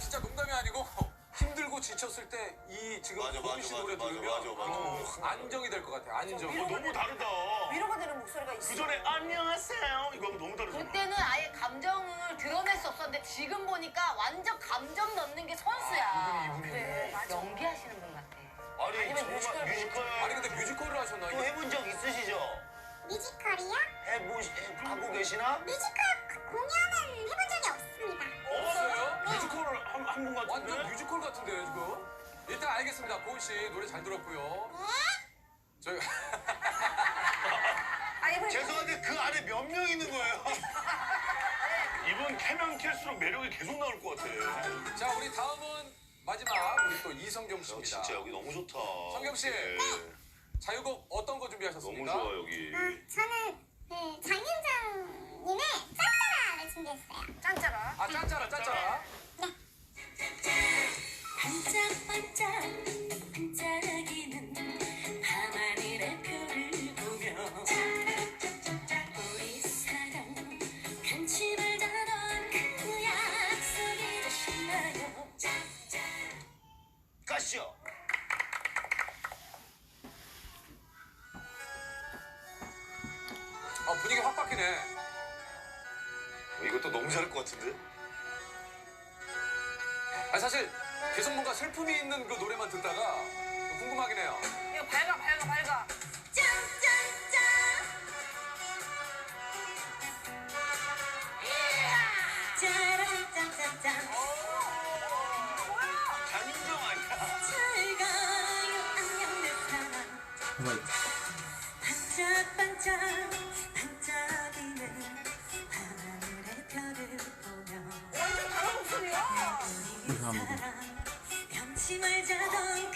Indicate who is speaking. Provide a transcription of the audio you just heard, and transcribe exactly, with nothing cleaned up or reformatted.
Speaker 1: 진짜 농담이 아니고 힘들고 지쳤을 때 이 지금
Speaker 2: 맞아,
Speaker 1: 고은
Speaker 2: 맞아,
Speaker 1: 씨
Speaker 2: 맞아,
Speaker 1: 노래
Speaker 2: 맞아,
Speaker 1: 들으면
Speaker 2: 맞아, 맞아.
Speaker 1: 어, 안정이 될 것 같아요. 안정.
Speaker 3: 어, 너무 다르다.
Speaker 4: 위로가 되는 목소리가 있어.
Speaker 3: 그 전에 안녕하세요 이거 하면 너무 다르잖아.
Speaker 5: 그때는 아예 감정을 드러낼 수 없었는데 지금 보니까 완전 감정 넣는 게 선수야.
Speaker 4: 그래, 맞아.
Speaker 5: 연기하시는 분 같아.
Speaker 3: 아니
Speaker 4: 아니면
Speaker 3: 정말
Speaker 4: 뮤지컬.
Speaker 3: 뮤지컬
Speaker 1: 아니 근데 뮤지컬을 하셨나?
Speaker 3: 또 해본 적 있으시죠?
Speaker 6: 뮤지컬이요?
Speaker 3: 해보시 하고 계시나?
Speaker 6: 뮤지컬 공연은 해본 적이 없습니다.
Speaker 1: 없어요?
Speaker 3: 뮤지컬을 한한분 같은데.
Speaker 1: 완전 뮤지컬 같은데요 지금. 일단 알겠습니다. 고은 씨 노래 잘 들었고요.
Speaker 6: 네?
Speaker 1: 저희
Speaker 4: 아니, 그
Speaker 3: 죄송한데 그 안에 몇 명 있는 거예요? 이분 캐면 캘수록 매력이 계속 나올 것 같아.
Speaker 1: 자 우리 다음은 마지막 우리 또 이성경 씨입니다.
Speaker 3: 진짜 여기 너무 좋다.
Speaker 1: 성경 씨.
Speaker 3: 네.
Speaker 1: 자유곡 어떤 거 준비하셨습니까?
Speaker 3: 너무 좋아 여기.
Speaker 6: 아, 저는 그 장윤정님의 짠짜라를 준비했어요.
Speaker 4: 짠짜라.
Speaker 1: 아 짠짜라 짠짜라.
Speaker 7: 반짝반짝 반짝이는 밤하늘의 별을 보며 우리 사랑 간치 말다던 그 약속이 다시 나요.
Speaker 3: 가시죠.
Speaker 1: 아 분위기 확 바뀌네.
Speaker 2: 어, 이것도 너무 잘할 것 같은데?
Speaker 1: 아 사실 계속 뭔가 슬픔이 있는 그 노래만 듣다가 궁금하긴 해요.
Speaker 4: 이거 밝아, 밝아, 밝아.
Speaker 7: 짠짠짠 짜라짠짠짠
Speaker 3: 장윤정 아니야?
Speaker 7: 잘 가요 안녕 내 사랑 반짝반짝 반짝이는 밤하늘의 별을 보며
Speaker 4: 완전 다른 목소리야.
Speaker 7: 우리 사랑 변치 말자던